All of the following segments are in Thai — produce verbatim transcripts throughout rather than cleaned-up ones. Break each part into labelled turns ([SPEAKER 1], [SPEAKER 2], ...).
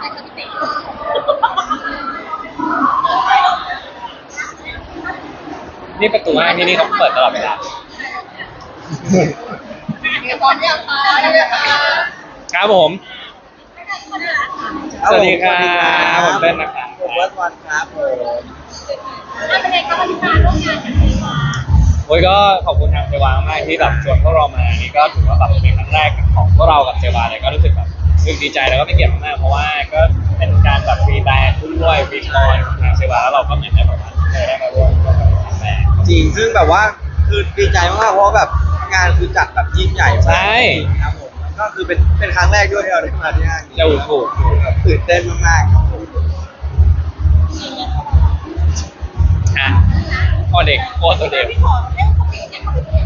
[SPEAKER 1] ช่ครับพี่เต๋
[SPEAKER 2] นี่ประตูห้างที่นี่เขาเปิดตลอดเวลา
[SPEAKER 1] พร้อมยังคะ
[SPEAKER 2] ครับผม สวัสดีครับผมเต้นนะครับ
[SPEAKER 3] ผมเบิร์ดวันครับผม
[SPEAKER 1] เป็นไงคะวันนี้มาร่วมงานกันดีกว่า
[SPEAKER 2] โอ้ยก็ขอบคุณทางเซวามากที่แบบชวนพวกเรามานี่ก็ถือว่าแบบเป็นครั้งแรกของพวกเรากับเซวาเลยก็รู้สึกแบบรู้สึกดีใจแล้วก็เป็นเกียรติมากๆเพราะว่าก็เป็นการแบบฟรีแบรนด์ด้วยฟรีคอนของทางเซวาแล้วเราก็เหมือนได้แบบว่าได้มาร่วมกับทางแบรนด์
[SPEAKER 3] จริงซึ่งแบบว่าคือดีใจมากๆเพราะว่าแบบงานคือจัดแบบยิ่งใหญ่มาก
[SPEAKER 2] ใช่
[SPEAKER 3] ครับผมก็คือเป็นเป็นครั้งแรกด้วยที่เราได้มาที่ห้างนี้
[SPEAKER 2] จะถูกถูกถูก
[SPEAKER 3] แบบตื่นเต้นมากๆครับผม
[SPEAKER 2] อ่ะพ่อเด็กพ่อตัวเด็ก
[SPEAKER 1] พี่ขอเล่นสปีดเนี่ยเขาเป็นยังไง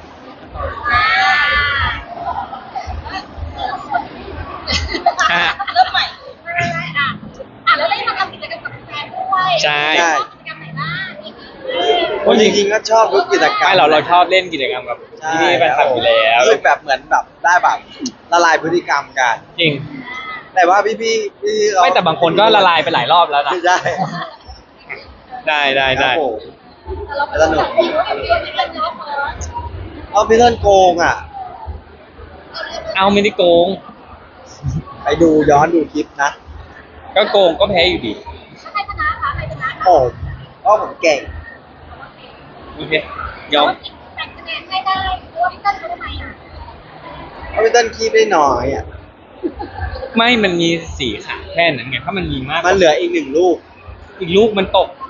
[SPEAKER 1] อ่าเริ่มใหม่ได้ได้อ่ะอ่ะแล้วได้มาทำกิจกรรมกับแฟนด้วย
[SPEAKER 2] ใช่
[SPEAKER 1] กิจกรรมไหนบ้าง
[SPEAKER 3] โอ้จริงๆก็ชอบทุกกิจกรรม
[SPEAKER 2] ไม่เราเราชอบเล่นกิจกรรมกับ
[SPEAKER 3] ใช่
[SPEAKER 2] ที่นี่แฟนคลับอยู่แล้ว
[SPEAKER 3] รู้สึกแบบเหมือนแบบได้แบบละลายพฤติกรรมกัน
[SPEAKER 2] จริง
[SPEAKER 3] แต่ว่าพี่พี่พี่ๆเรา
[SPEAKER 2] ไม่แต่บางคนก็ละลายไปหลายรอบแล้วนะ
[SPEAKER 3] ใช่
[SPEAKER 2] ได้ได้
[SPEAKER 3] ครั
[SPEAKER 2] ได้
[SPEAKER 3] บผม
[SPEAKER 1] แต่เราเป็นแบบนี้ว่าเป็นเพื่อนกันเนาะเฟิร์ส
[SPEAKER 3] เอาพี่เล่นโกงอ่ะ
[SPEAKER 2] เอาไม่ได้โกง
[SPEAKER 3] ไปดูย้อนดูคลิปนะ
[SPEAKER 2] ก็โกงก็แพ้อยู่ดี
[SPEAKER 1] ถ้าใครชนะคะใครชนะ
[SPEAKER 3] ผมเพราะผมเก่ง
[SPEAKER 2] โอเคยอม
[SPEAKER 1] แต่คะแนนให้ได้เพราะว่าพี่เต้นเขาทำไมอ่ะ
[SPEAKER 3] เพราะพี่เต้นคีบได้น้อยอ่ะ
[SPEAKER 2] ไม่มันมีสี่ขาแค่นั้นไงถ้ามันมีมาก
[SPEAKER 3] มันเหลืออีกหนึ่งลูก
[SPEAKER 2] อีกลูกมันตก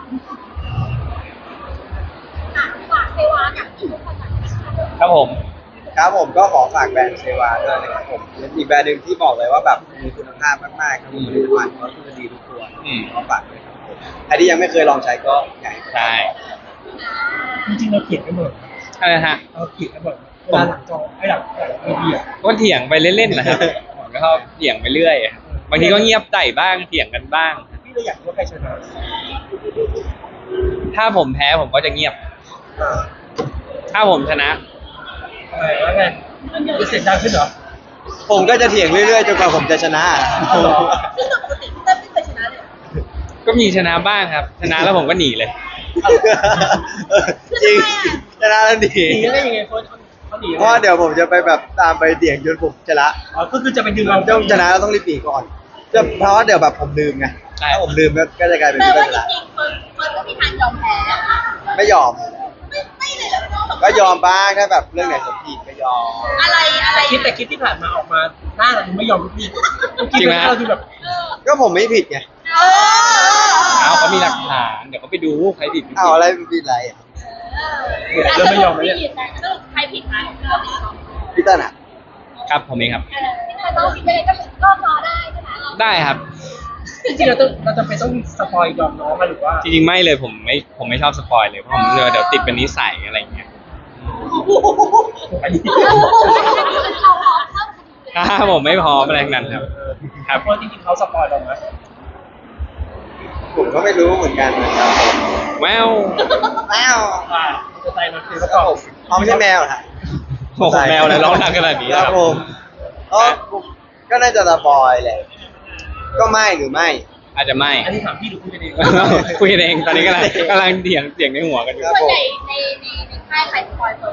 [SPEAKER 1] อ่ะฝากเทวากับทุกคนหน่อยนะคะ
[SPEAKER 2] ครับผม
[SPEAKER 3] ครับผมก็ขอฝากแบรนด์เซวาด้วยนะครับผมเป็นอีกแบรนด์หนึ่งที่บอกเลยว่าแบบมีคุณภาพมากๆครับผมผลิตภัณฑ์ก็คือดีทุกตัว
[SPEAKER 2] อืม
[SPEAKER 3] ขอฝากด้วยครับผมใครที่ยังไม่เคยลองใช้ก็อยากให้
[SPEAKER 2] ใช่
[SPEAKER 4] จริงๆเราเถียงกันหมด
[SPEAKER 2] อะไรฮะ
[SPEAKER 4] เราเถียงกันหมดเวลาหลังจอไอ้หลังหลังทีวีอ่ะ
[SPEAKER 2] ก็เถียงไปเล่นๆนะครับผมก็ชอบเถียงไปเรื่อยบางทีก็เงียบใจบ้างเถียงกันบ้าง
[SPEAKER 4] พี่เราอยากรู้ว่าใครชนะ
[SPEAKER 2] ถ้าผมแพ้ผมก็จะเงียบ ถ้าผมชนะ
[SPEAKER 4] อะไรว่าไงจะเสียงดังขึ้นเหรอ
[SPEAKER 3] ผมก็จะเถียงเรื่อยๆจนกว่าผมจะชนะ
[SPEAKER 4] เอาเหรอ
[SPEAKER 1] ซึ่งปกติพี่เต้นไม่เคยชนะเลย
[SPEAKER 2] ก็มีชนะบ้างครับ ชนะแล้วผมก็หนีเลย
[SPEAKER 3] จริงชนะแล้วดี
[SPEAKER 4] หนีได้ยังไงคนเขาหนี
[SPEAKER 3] เพราะว่าเดี๋ยวผมจะไปแบบตามไปเถียงจนผมชนะ
[SPEAKER 4] อ๋อก็คือจะไปดึง
[SPEAKER 3] ผ
[SPEAKER 4] เรา
[SPEAKER 3] มต้องชนะแล้วต้องรีบหนีก่อนจะเพราะว่าเดี๋ยวแบบผมลืมไง
[SPEAKER 2] ใช่
[SPEAKER 3] ถ้าผมลืมก็ก็จะกลายเป็น
[SPEAKER 1] แปล
[SPEAKER 3] พี่เต้
[SPEAKER 1] ว่าน
[SPEAKER 3] ชนะ
[SPEAKER 1] จริงๆเฟิร์สเฟิร์สก็มีทางยอมแพ้
[SPEAKER 3] ไม่ยอม
[SPEAKER 1] ไม่ไม่เลยเหรอ
[SPEAKER 3] ก็ยอมบ้างถ้าแบบเรื่องไหนสมผิดก็ยอม
[SPEAKER 1] อะไรอะไร
[SPEAKER 4] แต่คลิปแต่คลิปที่ผ่านมาออกมาหน้าเราดูไม่ยอมทุกทีคลิปหน้าเราดูแบบ
[SPEAKER 1] เออ
[SPEAKER 3] ก็ผมไม่ผิดไง
[SPEAKER 1] เออ
[SPEAKER 2] เอาเขามีหลักฐานเดี๋ยวเขาไปดูใครผิดไม่ผิด
[SPEAKER 3] เอาอะไรผิดอะไรอ่ะ
[SPEAKER 4] เริ่มไม่ยอมแล้วเนี่ย
[SPEAKER 1] สรุปใครผิดนะเราผิดเนาะ
[SPEAKER 3] พี่เต้นอ่ะ
[SPEAKER 2] ครับผมเองครับ
[SPEAKER 1] เออพี่เต้นเราผิดยังไงก็ก็รอได้ใช่ไหม
[SPEAKER 2] ได้ครับ
[SPEAKER 4] จริงๆเราต้องเราจะไปต้องสปอยยอมน้องมาหรือว่า
[SPEAKER 2] จริงๆไม่เลยผมไม่ผมไม่ชอบสปอยเลยเพราะผมเดี๋ยวติดเป็นนิสัยอะไรอย่างเงี้ย
[SPEAKER 4] อันนี้
[SPEAKER 1] เราพร้อมเข้าคดีเลย
[SPEAKER 2] ถ้าผมไม่พร้อมอะไรทั้งนั้นครับ ครับ
[SPEAKER 4] เพราะจริงๆเขาสปอยเราไหม
[SPEAKER 3] ผมก็ไม่รู้เหมือนกันนะครับ
[SPEAKER 2] แวว
[SPEAKER 3] แมว
[SPEAKER 4] ว่าจะใจมันคือประกอบ
[SPEAKER 3] เขาไม่ใช่แมวนะ
[SPEAKER 2] โอ้โหแมวเลยร้องดังขนาดนี้
[SPEAKER 3] ค
[SPEAKER 2] นะ
[SPEAKER 3] รับ
[SPEAKER 2] ครับ
[SPEAKER 3] ผมก็ก็น่าจะสปอยแหละ ก็ไม่หรือไม่
[SPEAKER 2] อาจจะไม่
[SPEAKER 4] อันนี้ถามพี่หรือคุยกันเอง
[SPEAKER 2] คุยกันเองตอนนี้กำลังกำลังเถียงเถียงในหัวกันอยู่
[SPEAKER 3] ครับ
[SPEAKER 1] ส่วนใหญ่ในในในค่ายใครสปอยเฟิร์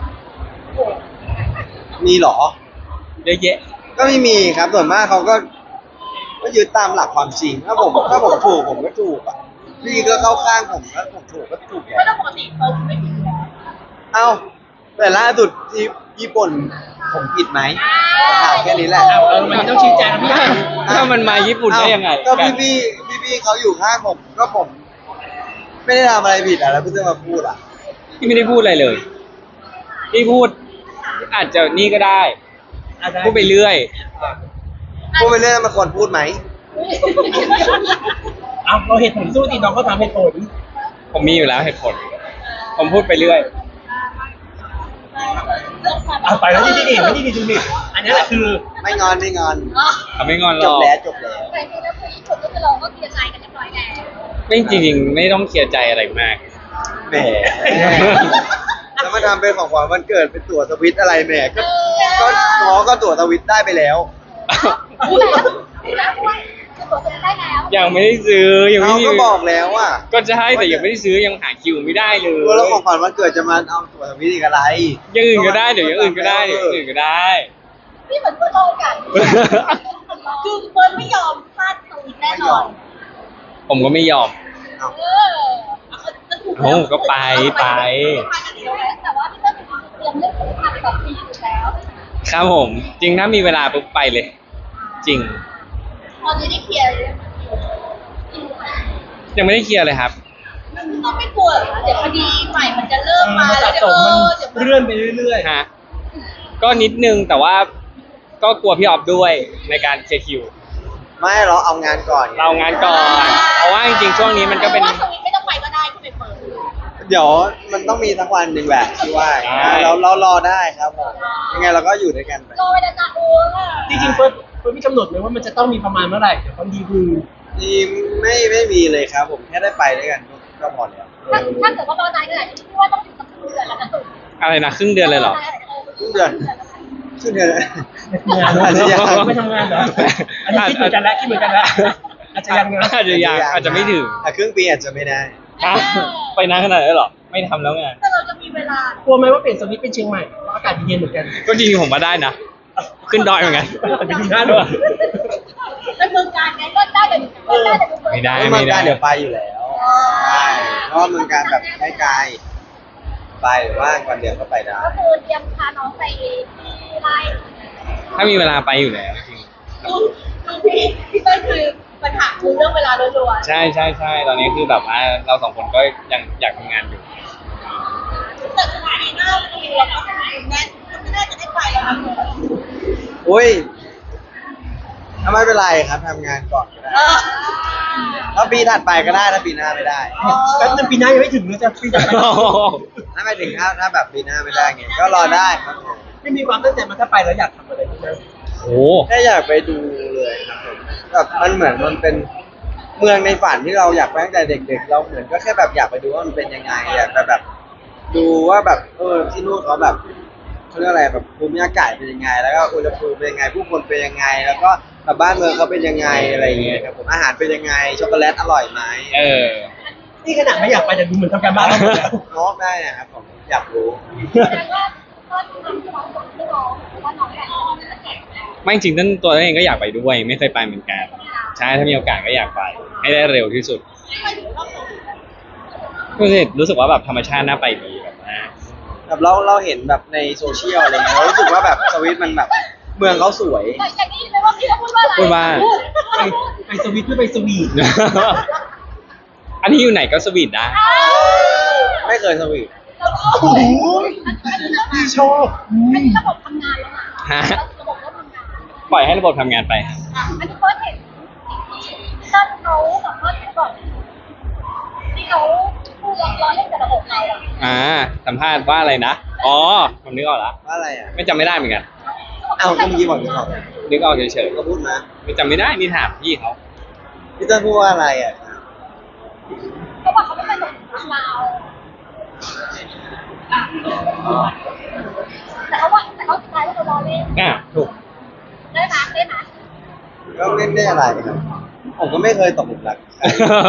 [SPEAKER 1] ส
[SPEAKER 3] มีเหรอ
[SPEAKER 2] เยอะแยะ
[SPEAKER 3] ก็ไม่มีครับ ส่วนมากเขาก็ ก็ยึดตามหลักความจริง ถ้าผมถ้าผมถูกผมก็ถูกอ่ะ พี่ก็เข้าข้างผมถ้าผมถูกก็ถูกแห
[SPEAKER 1] ไม่ต้อ
[SPEAKER 3] ละ
[SPEAKER 1] งปกติเฟิร์สไม่ผิดอยู่แล้ว
[SPEAKER 3] เอ้า แต่ล่าสุดที่ญี่ปุ่นผมผิดไหมถามแค่นี้แหละ
[SPEAKER 4] เอาเออมันต้องชี้แจงนะพี่
[SPEAKER 2] ถ้ามันมาญี่ปุ่นได้ยังไง
[SPEAKER 3] ก็พี่พี่พี่พี่ๆเขาอยู่ข้างผมก็ผม ไม่ได้ทำอะไรผิดอ่ะแล้วพี่จะมาพูดอ่ะ
[SPEAKER 2] พี่ไม่ได้พูดอะไรเลยพี่พูด อาจจะนี่ก็ได้ พูดไปเรื่อย
[SPEAKER 3] พูดไปเรื่อยมันควรพูดไหม
[SPEAKER 4] เอาเราเหตุผลสู้ดีน้องก็ทำเหตุผล
[SPEAKER 2] ผมมีอยู่แล้วเหตุผล ผมพูดไปเรื่อย
[SPEAKER 4] เอาไปแล้วนี่นี่นี่นี่นี่ดูนี่อันนี้แหละคือ
[SPEAKER 3] ไม่งอนไม่งอน
[SPEAKER 1] อ๋อ
[SPEAKER 2] เขาไม่งอนหร
[SPEAKER 3] จ
[SPEAKER 2] อบ ก
[SPEAKER 3] แล้วจบแล้ว
[SPEAKER 1] แต่จริงๆแล้วคือญี่ปุ่นก็คือเราก็เคลียร์ใจกันเรียบร้อยแล้ว
[SPEAKER 2] ไม่จริงๆไม่ต้องเคลียร์ใจอะไรมาก
[SPEAKER 3] แหม แล้วมาทำเป็นของขวัญวันเกิดเป็นตั๋วสวิตอะไรแหมก็ ก็น้องก็ตั๋วสวิตได้ไปแล้ว
[SPEAKER 1] รู้แล้วรู้แล้วด้วย
[SPEAKER 2] ยังไม่ได้ซื้อยังไม่
[SPEAKER 3] เขา
[SPEAKER 2] มี
[SPEAKER 3] ก็บอกแล้วอ่ะ
[SPEAKER 2] ก็จะให้แต่ยังไม่ได้ซื้อยังหาคิวไม่ได้เลย
[SPEAKER 3] แล้วของขวัญวันเกิดจะมาเอาตัวทวิตอีกอะไร
[SPEAKER 2] อย่างอื่นก็ได้เดี๋ยวอย่างอื่นก็ได้เดี๋ยวอย่างอื่นก็ได้
[SPEAKER 1] นี่เหมือนเพื่อนโลกกันคือเฟิร์นไม่ยอมพลาดสวิตแน่นอน
[SPEAKER 2] ผมก็ไม่ยอม
[SPEAKER 3] เอา
[SPEAKER 1] เออจะถูก
[SPEAKER 2] โอ้ก็ไปไป
[SPEAKER 1] แต่ว่าพี่เต้นเตรียมเรื่องของทางสองปีอยู่แล้ว
[SPEAKER 2] ครับผม จริงถ้ามีเวลาปุ๊บไปเลย จริง
[SPEAKER 1] ตอนนี้ได้เคลียร์เลย
[SPEAKER 2] ยังไม่ได้เคลียร์เลยครับ
[SPEAKER 1] ต้องไม่กลัวเหรอเดี๋ยวคดีใหม่มันจะเริ่มมา
[SPEAKER 4] มัน
[SPEAKER 1] แล้
[SPEAKER 4] สะ
[SPEAKER 1] วเดี๋ยวเออเดี๋ยว
[SPEAKER 4] สมมันเลื่อนไปเรื่อย
[SPEAKER 2] ฮะก็นิดนึงแต่ว่าก็กลัวพี่ออฟด้วยในการเคลียร์คิว
[SPEAKER 3] ไม่เราเอางานก่อนไ
[SPEAKER 2] เรางานก่อน เพราะว่าจริงๆช่วงนี้มันก็เป็น
[SPEAKER 1] ว่าสวิตไม่ต้องไปก็ได้ที่ไปเปิด
[SPEAKER 3] เดี๋ยวมันต้องมีสักวันหนึ่งแหละที่ว่า
[SPEAKER 2] ใช่
[SPEAKER 3] เราเรารอได้ครับผมยังไงเราก็อยู่ด้วยกันไป
[SPEAKER 1] รอไปนานๆโอ้ล่ะ
[SPEAKER 4] ๆจริงๆเฟิร์สเฟิร์สมีกำหนดไหมว่ามันจะต้องมีประมาณเมื่อไหร่เดี๋ยวบางทีคือ
[SPEAKER 3] นี่ไม่ไม่มีเลยครับผมแค่ได้ไปด้วยกันก็พอแล้ว
[SPEAKER 1] ถ้าถ้าเกิดว่ารอนานขนาดนี้พี่ว่าต้องถึงสักครึ่งเดือนแล้วนะสุด
[SPEAKER 2] อะไรนะครึ่งเดือนเลยเหรอ
[SPEAKER 3] ครึ่งเดือนครึ่งเดือน
[SPEAKER 4] งาน
[SPEAKER 3] อาจจะยัง
[SPEAKER 4] ไม่ทำงานเหรออันนี้คิดเหมือนกันแล้วคิดเหมือนกันแล้วอาจจะยังนะ
[SPEAKER 2] อาจจะยังอาจจะไม่ถึง
[SPEAKER 3] อ่ะครึ่งปีอาจจะไม่ได้
[SPEAKER 2] ฮะไปนานขนาดนั้นเหรอ ไม่ทำแล้วไงาน
[SPEAKER 1] แต่เราจะมีเวลาก
[SPEAKER 4] ลัวไหมว่าเปลี่ยนสวิตช์เป็นเชียงใหม่เพราะอากาศเย็นเหมือนกัน
[SPEAKER 2] ก็จริงๆผมมาได้นะ ขึ้นดอยเหมือนกัน
[SPEAKER 4] อาจจะมีหน้าด้วย
[SPEAKER 1] เป็นเมืองการไงก็ได้แต่ก็ได้แต่
[SPEAKER 2] ไม่ได้
[SPEAKER 3] เมืองการเดี๋ยวไปอยู่แล้วใช่เพราะว่าเมืองการแบบไม่ไกลไปหรือว่าวันเดียวก็ไปได้
[SPEAKER 1] ก็คือเตรียมพาน้องไปที่ไร่
[SPEAKER 2] ถ้ามีเวลาไปอยู่แล้วจริง
[SPEAKER 1] ดูดูพี่พี่เต้ยคือปัญหาคือเรื่องเวลาล้วน
[SPEAKER 2] ใช่ใช่ใช่ตอนนี้คือแบบว่าเราสองคนก็ยังอยากทำงานอยู่
[SPEAKER 1] ๆแต่สถานีหน้าเราเราก็ทำงานแน่นก็ไม่น่าจะได้ไปแล้วนะ
[SPEAKER 3] อุ้ยถ้าไม่เป็นไรครับทำงานก่อนก็ได้
[SPEAKER 1] เออ
[SPEAKER 3] ถ้าปีถัดไปก็ได้ถ้าปีหน้าไม่ได้
[SPEAKER 4] แป๊บนึงปีหน้ายังไม่ถึงเลยจะปีจะไป
[SPEAKER 3] ถ้าไม่ถึงถ้าถ้าแบบปีหน้าไม่ได้ไงก็รอได้ครับผม
[SPEAKER 4] ไม่มีความตั้งใจมาถ้าไปแล้วอยากทำอะไรบ้างไหม
[SPEAKER 2] โอ้
[SPEAKER 3] แค่อยากไปดูเลยครับผมแบบมันเหมือนมันเป็นเมืองในฝันที่เราอยากไปตั้งแต่เด็กๆ เราเหมือนก็แค่แบบอยากไปดูว่ามันเป็นยังไงอยากไปแบบ ดูว่าแบบเออที่นู่นเขาแบบเขาเรียกอะไรแบบภูมิอากาศเป็นยังไง แล้วก็อุณหภูมิเป็นยังไง ผู้คนเป็นยังไง แล้วก็แบบบ้านเมืองเขาเป็นยังไงอะไรอย่างเงี้ยครับผมอาหารเป็นยังไงช็อกโกแลตอร่อยไหม
[SPEAKER 2] เออ
[SPEAKER 4] นี่ขนาดไม่อยากไปแต่ดูเหมือนทำการบ้านแล้วหมดแล้ว
[SPEAKER 3] น้องได้นะครับผมอยากรู้
[SPEAKER 1] แสดงว่าก็ทำที่น้องบอกที่น้องว่าน้องอยากจะแข่งแล้ว
[SPEAKER 2] ไม่จริงๆนั่นตัวเองก็อยากไปด้วย ไม่เคยไปเหมือนกันใช่ถ้ามีโอกาสก็อยากไป ให้ได้เร็วที่สุดรู้สึกรู้สึกว่าแบบธรรมชาติน่าไปดีแบบว่า
[SPEAKER 3] แบบเราเราเห็นแบบในโซเชียลอะไรเงี้ยเรารู้สึกว่าแบบสวิตมันแบบเมืองเขาสวย
[SPEAKER 1] แต่อย่างนี้ไหมว่าพี่เขาพูดว่าอะไร
[SPEAKER 2] พูดว่า
[SPEAKER 4] ไปไปสวิตหรือไปสวีท
[SPEAKER 2] อันนี้อยู่ไหนก็สวีทได้
[SPEAKER 3] ไม่เคยสวีท
[SPEAKER 4] โอ้โหพี่ชอบอื
[SPEAKER 1] อัน
[SPEAKER 4] ม
[SPEAKER 1] นี้ระบบทำงานแล้วนะ
[SPEAKER 2] ฮะ
[SPEAKER 1] ระบบเริ่มทำงาน
[SPEAKER 2] ปล่อยให้ระบบทำงานไปครับ
[SPEAKER 1] อ่ะอันนี้เฟิร์สเห็นตั้งเขาแบบว่าก่อนที่เขาพูดล้อเล่นกับระบบเราอ่ะ
[SPEAKER 2] อ่าสัมภาษณ์ว่าอะไรนะ อ๋อ ผมนึกออกแล้ว
[SPEAKER 3] ว่าอะไรอ่ะ
[SPEAKER 2] ไม่จำไม่ได้เหมือนกัน
[SPEAKER 3] เอ้าก็เมื่อกี้บอกจะบอก
[SPEAKER 2] นึกออกเฉย
[SPEAKER 3] ก็พูดมา
[SPEAKER 2] ๆไม่จำไม่ได้นี่ถามพี่เขา
[SPEAKER 3] พี่เต้นพูดว่าอะไรอ่ะ
[SPEAKER 1] เขาบอกเขาไม่เคยส่งถึงเราอ่ะแต่เขาว่าแต่เขาสุดท้ายก็คือล้อเล่น
[SPEAKER 2] อ่ะถูก
[SPEAKER 1] ได้ไหมได้ไหม
[SPEAKER 3] ก็ไม่ได้อะไรครับผมก็ไม่เคยตกหลุมรักใคร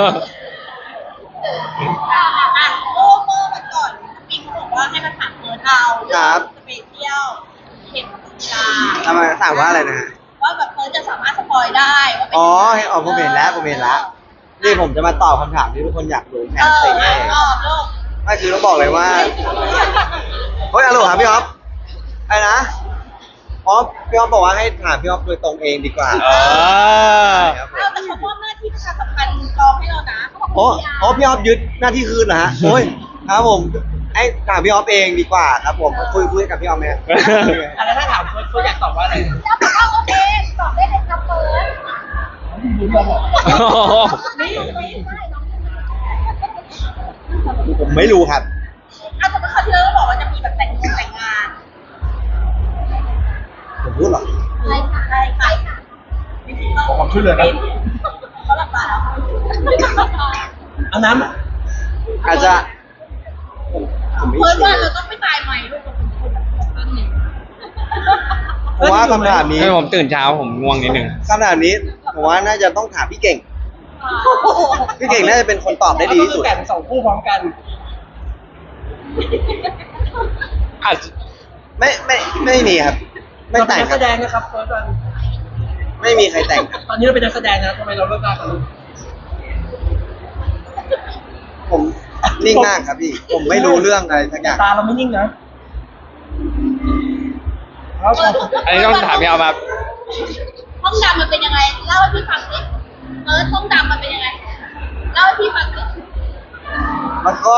[SPEAKER 1] อ่ะอ่ะโอ้เมื่อวันก่อนปิงบอกว่าให้มาถามเฟิร์สเอาสเปเชียลเข็มกีฬา
[SPEAKER 3] ทำไมถามว่าอะไรนะฮะ
[SPEAKER 1] ว่าแบบเฟิร์สจะสามารถสปอยได้ว่าเป็น
[SPEAKER 3] อ๋อเห็นอ๋อผมเห็นแล้วผมเห็นแล้วนี่ผมจะมาตอบคำถามที่ทุกคนอยากรู้แท
[SPEAKER 1] เอน อ
[SPEAKER 3] สิ
[SPEAKER 1] เออเออโลก
[SPEAKER 3] ไม่คือต้องบอกเลยว่าเฮ้ยอโลครับพี่อ๊อฟอะไรนะอ๋อพี่อ๊อฟบอกว่าให้ถามพี่อ๊อฟโดยตรงเองดีกว่า
[SPEAKER 2] เออ
[SPEAKER 3] ครับผม
[SPEAKER 1] เอาแต่เขามอบหน้าที่ประชาสัมพันธ์กองให้เรานะเขาบอก
[SPEAKER 3] โอ้โอ้พี่อ๊อฟยึดหน้าที่คืนเหรอฮะโอ้ยครับผมไอ้ถามพี่อ๊อฟเองดีกว่าครับผมคุยคุยกับพี่อ๊อฟไหม
[SPEAKER 4] อะไรถ้าถามเฟิร์สเฟิร์สอยากตอบว่าอะไร
[SPEAKER 1] แล้วบอกว่าโอเคตอบได้เลยครับเฟิร์ส
[SPEAKER 4] ดูเราบอก
[SPEAKER 1] ไม่รู้ไม่ได้น้อง
[SPEAKER 3] ผมไม่รู้ครับ
[SPEAKER 1] เอาแต่เมื่อคราวที่แล้วเราบอกว่าจะมีแบบแต่งงานแต่งงาน
[SPEAKER 3] ผมพูดเหรอ
[SPEAKER 1] อะไรค่ะอะไรใครค่ะ
[SPEAKER 4] ขอความช่วยเหลือครับ
[SPEAKER 1] เขาหลับตาแล้ว
[SPEAKER 4] เอาน้
[SPEAKER 3] อาจจะผมผมไม่
[SPEAKER 1] เฟิร์ส
[SPEAKER 3] เชื่
[SPEAKER 1] ว่า
[SPEAKER 3] อ
[SPEAKER 1] เราต้องไม่ตายใหม่ลูกเราเป็นคนแบบนั้นนี่
[SPEAKER 3] ผมว่าคำถามนี้
[SPEAKER 2] ไม่ผมตื่นเช้าผมง่วงนิดนึง
[SPEAKER 3] คำถามนี้ผมว่าน่าจะต้องถามพี่เก่งพี่เก่งน่าจะเป็นคนตอบได้ดีที่สุด
[SPEAKER 4] แต่งสองคู่พร้อมกัน
[SPEAKER 2] อาจจะ
[SPEAKER 3] ไม่ไม่ไม่มีครับ ไม่
[SPEAKER 4] เราเป็
[SPEAKER 3] แต่
[SPEAKER 4] น
[SPEAKER 3] ง
[SPEAKER 4] นัก
[SPEAKER 3] ค
[SPEAKER 4] แส
[SPEAKER 3] รับ
[SPEAKER 4] ดงนะครับเฟิร์สวัน
[SPEAKER 3] ไม่มีใครแต่งครับ
[SPEAKER 4] ตอนนี้เราเป็นนักแสดงนะทำไมเราเลิกลากัน
[SPEAKER 3] ผมนิ่งมากครับพี่ ผมไม่รู้เรื่องอะไรสักอย่าง
[SPEAKER 4] ตาเราไม่นิ่งนะแล้ว
[SPEAKER 2] อันนี้ต้องถามพี่เอามา
[SPEAKER 1] ห้องดำมันเป็นยังไงเล่าให้พี่ฟังสิเออห้องดำมันเป็นยังไงเล่าให้พี่ฟังสิ
[SPEAKER 3] มันก็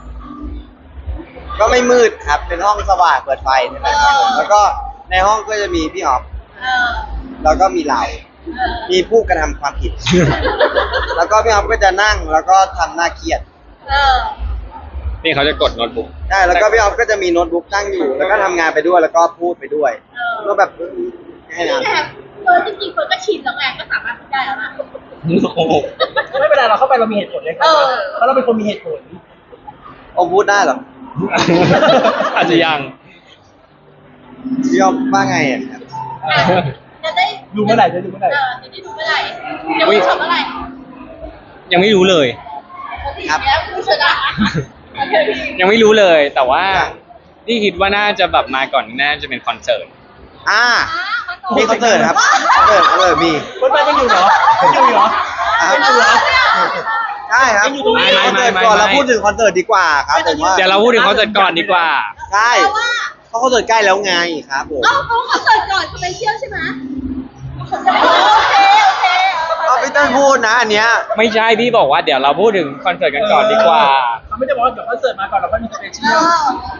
[SPEAKER 3] ก็ไม่มืดครับ เป็นห้องสว่างเปิดไฟนี่แหละครับผมแล้วก็ในห้องก็จะมีพี่ออฟ
[SPEAKER 1] เออ
[SPEAKER 3] แล้วก็มีเรา
[SPEAKER 1] เออ
[SPEAKER 3] มีผู้กระทำความผิด แล้วก็พี่ออฟก็จะนั่งแล้วก็ทำหน้าเครียด
[SPEAKER 1] เออ
[SPEAKER 2] นี่เขาจะกดโน้ตบุ๊ก
[SPEAKER 3] ใช่แล้วก็พี่ออฟก็จะมีโน้ตบุ๊กตั้งอยู่ แล้วก็ทำงานไปด้วยแล้วก็พูดไปด้วย
[SPEAKER 1] เออ
[SPEAKER 3] ก็แบบให้
[SPEAKER 1] นี่
[SPEAKER 3] นะ
[SPEAKER 1] แหละเฟิร์นจริงๆเฟิร์นก็ชินแล้วไงก็สามารถพูดได้แล้วนะ
[SPEAKER 4] ไม่เป็นไรเราเข้าไปเรามีเหตุผลเลยครั
[SPEAKER 1] เออ
[SPEAKER 4] เพราะเราเป็นคนมีเหตุผล
[SPEAKER 3] โอ้พูดได้เหรอ
[SPEAKER 2] อาจจะยัง
[SPEAKER 3] พี่ออฟว่าไงอ่ะครับ
[SPEAKER 1] อ่ะจะได้
[SPEAKER 4] ดูเมื่อไหร่จะดูเมื่อไหร่
[SPEAKER 1] เออจะได้ดูเมื่อไหร่เดี๋ยวพูดเมื่อไหร่
[SPEAKER 2] ยังไม่รู้เลย
[SPEAKER 3] ครับ
[SPEAKER 1] แล้วพูดเสร็จแล้วโอเคพี่
[SPEAKER 2] ยังไม่รู้เลย แต่ว่า
[SPEAKER 3] ครับ
[SPEAKER 2] ที่คิดว่าน่าจะแบบมาก่อนน่าจะเป็นคอนเสิร์ต
[SPEAKER 3] อ่า
[SPEAKER 1] อ่ะมาต่อ
[SPEAKER 3] มีคอนเสิร์ตครับคอนเสิร์ตคอนเสิร์ตมี
[SPEAKER 4] เฟิร์สวันยังอยู่เหรอยังอยู่เหรอ
[SPEAKER 3] อ่า
[SPEAKER 4] ยังอยู่เหรอ
[SPEAKER 3] ใช่ครับ
[SPEAKER 4] ยังอยู่ตรงนี้
[SPEAKER 3] คอนเสิร์ตก่อนเราพูดถึงคอนเสิร์ตดีกว่าครับผมว่า
[SPEAKER 2] เดี๋ยวเราพูดถึงคอนเสิร์ตก่อนดีกว่า
[SPEAKER 3] ใช่
[SPEAKER 1] เพราะว่า
[SPEAKER 3] เพราะคอนเสิร์ตใกล้แล้วไงครับผม
[SPEAKER 1] เอ้าเขาขอเสิร์ตก่อนสเปเชียลใช่ไหมโอเคโอเค
[SPEAKER 3] เอาพี่เต้นพูดนะอันเนี้ย
[SPEAKER 2] ไม่ใช่พี่บอกว่าเดี๋ยวเราพูดถึงคอนเสิร์ตกันก่อนดีกว่า
[SPEAKER 4] เขาไม่ได้บอกว่าเดี๋ยวคอนเสิร์ตมาก่อนเราค่อยมีสเปเชี
[SPEAKER 1] เอย
[SPEAKER 4] ล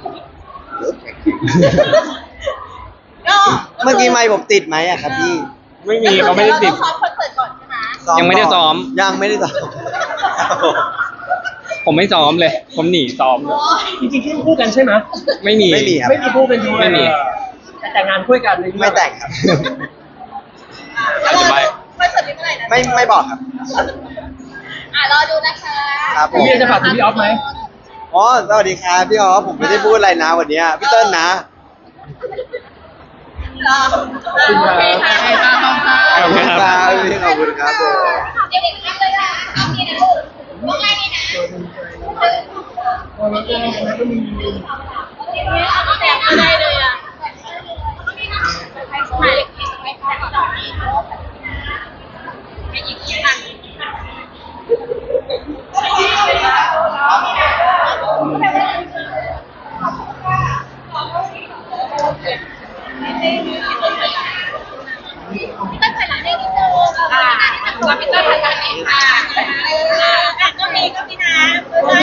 [SPEAKER 1] อก็
[SPEAKER 3] เมื่อกี้ไมค์ผมติดไหมอะครับพี่
[SPEAKER 2] ไม่มีเขาไม่ได้ติด
[SPEAKER 1] เราต้องซ้อมคอนเสิร์ตก่อนใช่ไหม
[SPEAKER 3] ซ้อ
[SPEAKER 2] ยังไม่ได้ซ้อม
[SPEAKER 3] ยังไม่ได้ซ้อมครับผม
[SPEAKER 2] ผมไม่ซ้อมเลย ผมหนีซ้อมเลย
[SPEAKER 1] โอ้ย
[SPEAKER 4] จริงๆที่คู่กันใช่ไหม
[SPEAKER 2] ไม่มี
[SPEAKER 3] ไม่มีครับ
[SPEAKER 4] ไม่มีคู่เป็นดู
[SPEAKER 2] ไม่มี
[SPEAKER 4] แต่แต่งงานคู่กันในเรื่อง
[SPEAKER 3] ไม่แต่งครับ
[SPEAKER 2] อาจจะไม่
[SPEAKER 1] คอนเสิร์ตนี้เมื่อไหร่นะ
[SPEAKER 3] ไม่ไม่บอกครับ
[SPEAKER 1] อ่ะรอดูนะคะ
[SPEAKER 3] ครับผม
[SPEAKER 4] พี่จะฝากถึงพี่ออฟไหม
[SPEAKER 3] อ๋อสวัสดีครับพี่อ๋อผมไม่ได้พูดอะไรนะวันเนี้ยพี่เติ้ลนะ
[SPEAKER 1] รอโอเคค่ะโอเคค่ะขอบคุณค่ะ
[SPEAKER 3] ขอบคุณครับพี่ขอบคุณครับผม
[SPEAKER 1] เด็กๆนั่งเลยค่ะเอานี่นะลูกพวกแรกนี่นะเอาแต่งอะไรเลยอ่ะถ่ายเล็กๆไว้ถ่ายต่อนี่ให้ยิงยัง พี่ต้นถ่ายหลังได้นิดนึงอ่าพี่ต้นถ่ายหลังเองค่ะ